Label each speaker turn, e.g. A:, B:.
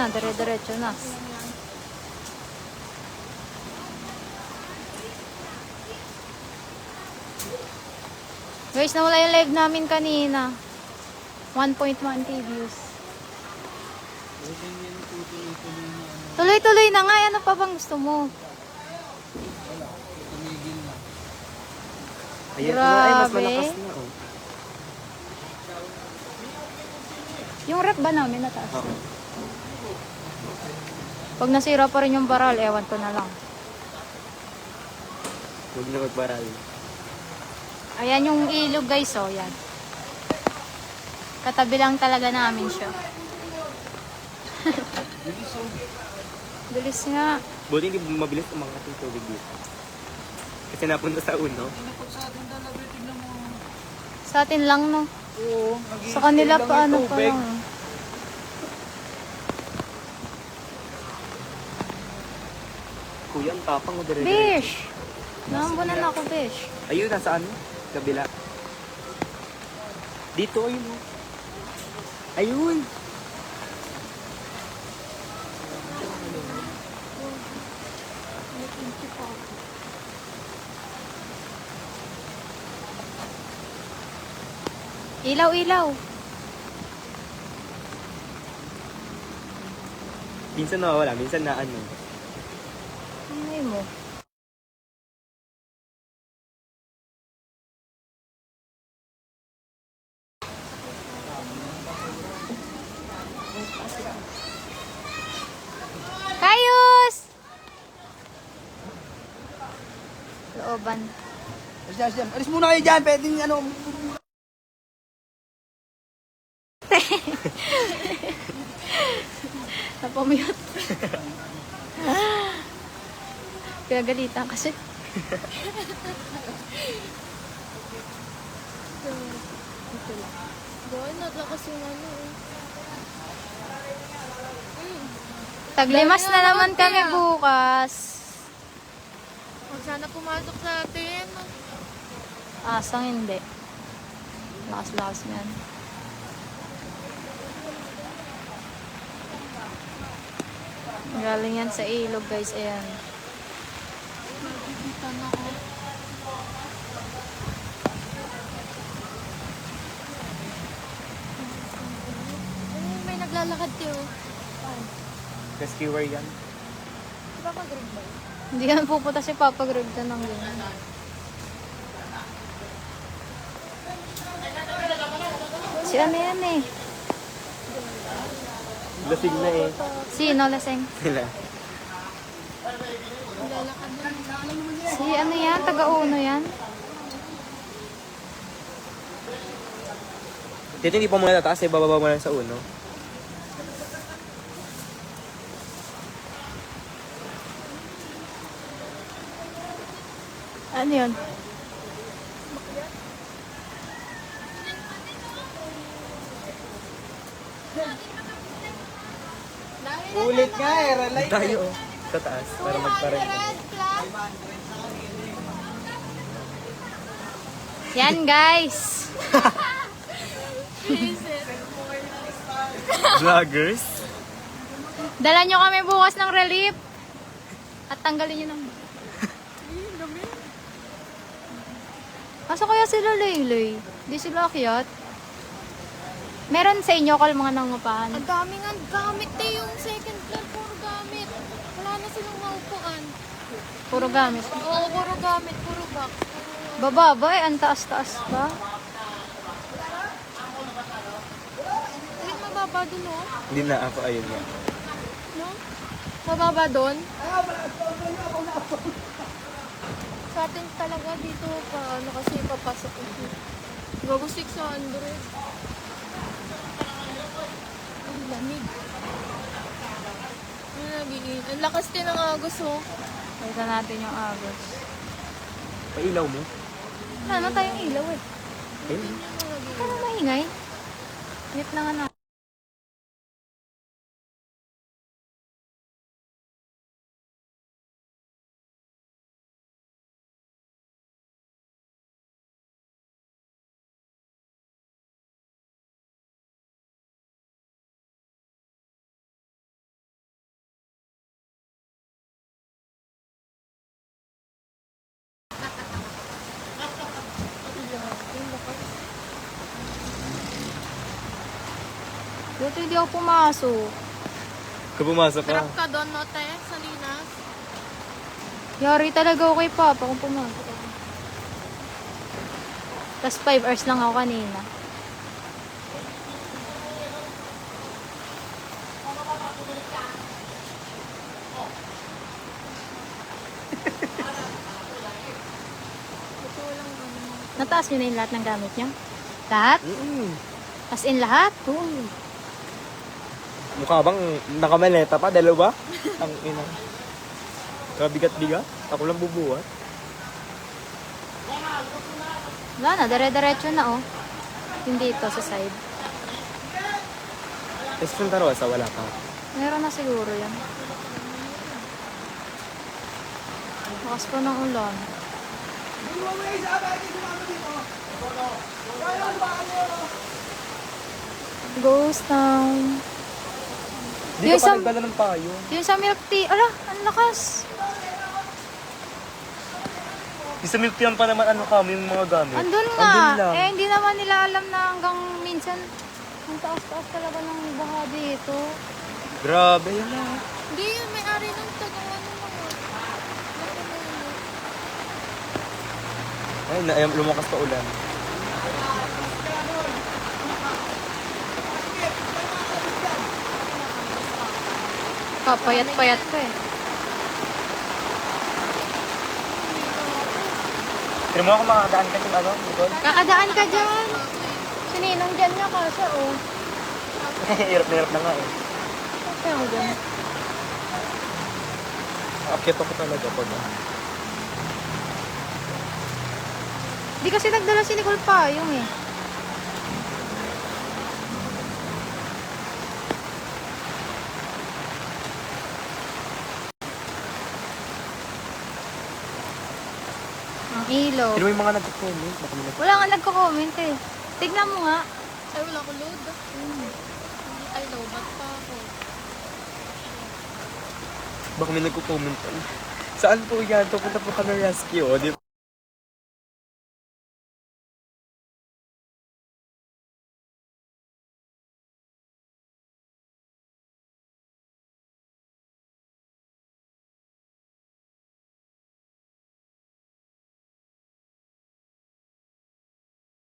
A: na, dire-diretso na. Guys, nawala yung live namin kanina. 1.1k views. Tuloy-tuloy na nga. Ano pa bang gusto mo?
B: Ayan, ay, mas
A: Grabe.
B: malakas na, oh.
A: Yung rep ba namin nataas?
B: Oo.
A: Pag nasira pa rin yung baral, ewan ko na lang.
B: Huwag na magbaral.
A: Ayan yung ilog guys, oh, yan. Katabi lang talaga namin siya. Bilis nga.
B: Buti hindi mabilis umangat yung tubig dito. Kasi napunta sa uno.
A: Sa atin lang, no?
C: Oo.
A: Sa kanila pa, ano pa lang.
B: Kuya, ang tapang mo dire-diretso.
A: Bish! Naambunan ako, Bish.
B: Ayun, nasa ano? Kabila. Dito, ayun, oh. Ayun!
A: Ilaw-ilaw.
B: Minsan nawawala, minsan na ano.
A: Ay mo. Kayus! Looban.
C: Alis muna kayo dyan. Pwedeng ano.
A: Napamute. Pinagalitan kasi.
D: Doon, naglakas yung ano.
A: Taglimas na naman kami bukas.
D: Huwag sana pumasok sa atin.
A: Asang hindi. Lakas-lakas yan. Galing yan sa ilog guys. Ayan.
D: Nabibitan ako. Ay, may naglalakad kayo.
B: Rescuer yan.
D: Di ba mag-ring ba?
A: Hindi yan pupunta si Papa Greg na ng ganyan. Si ano yan eh?
B: Lasing na eh.
A: Sino laseng?
B: Sila.
D: Naglalakad na.
A: Si ano yan? Taga-uno yan?
B: Dito hindi pa muna tataas eh, bababa mo lang sa uno.
A: Ano yun?
C: Ulit nga eh. Relay.
B: Tayo oh. Sa taas, para magparent.
A: Yan guys!
B: Vloggers?
A: Dala nyo kami bukas ng relief. At tanggalin nyo ng... Asa kaya sila Laylay? Di sila akyat? Meron sa inyo kal mga nangupahan.
D: Ang daming ang gamit eh, yung second floor, puro gamit. Wala na silang maupuan.
A: Puro gamit.
D: Oo, puro gamit, puro box.
A: Bababa eh, ang taas-taas pa.
D: Ulit mababa dun, oh.
B: Hindi na ako, ayun nga.
D: No? Mababa dun. Sa atin talaga dito pa, ano kasi papasok ito. Bago 600. Ang lamig. Ang lamig. Ang lakas din ng agos, oh.
A: Pakita natin yung agos.
B: Pailaw mo?
A: Wala na tayong ilaw eh.
B: Ayun.
A: Kaya na maingay. Mute na nga na. Buti hindi ako pumasok.
B: Kung pumasok ka.
D: Trap ka doon, no, te? Sa Linas.
A: Yari talaga ako kay Papa kung pumasok ako. Tapos 5 hours lang ako kanina.
D: Totoo lang ano.
A: Nataas nyo na yung lahat ng gamit nyo? Lahat? As in lahat? Oo.
B: Mukha bang nakamaleta pa? Dalawa? Ang ina. Kabigat-bigat? Ako lang bubuhat.
A: Wala na, dire-diretso na oh. Yung dito sa side.
B: Tapos Santa Rosa, wala pa.
A: Meron na siguro yan. Lakas pa ng ulan. Ghost Town.
B: Hindi
A: Yung
B: ka pa
A: sa-
B: nagdala ng payo.
A: Yung sa milk tea, ala, ang lakas.
B: Yung sa milk tea pa naman ano kami, yung mga gamit.
A: Andun nga.
B: Andun lang.
A: Eh, hindi naman nila alam na hanggang minsan, ang taas-taas talaga ng baha dito.
B: Grabe yun na.
D: Hindi yun, may-ari ng tagawa ng mga.
B: Ay, lumakas pa ulan.
A: Papayat-payat ko eh.
B: Pero mo ako makakadaan ka yung ano, Nicole?
A: Kakadaan ka dyan. Sininong dyan niya kasi oh.
B: Hirap na hirap na nga eh.
A: Kaya mo dyan.
B: Akit ako talaga pag
A: Di kasi nagdala si Nicole pa, yung eh. Ang ilaw.
B: Pero may mga nagko-comment. Baka may
A: Wala nga nagko-comment eh. Tignan mo nga.
D: Ay, wala ko load. Hindi, ay, lobat pa ako.
B: baka may nagko-comment. Saan po yan? Pupunta po kami rescue. O, di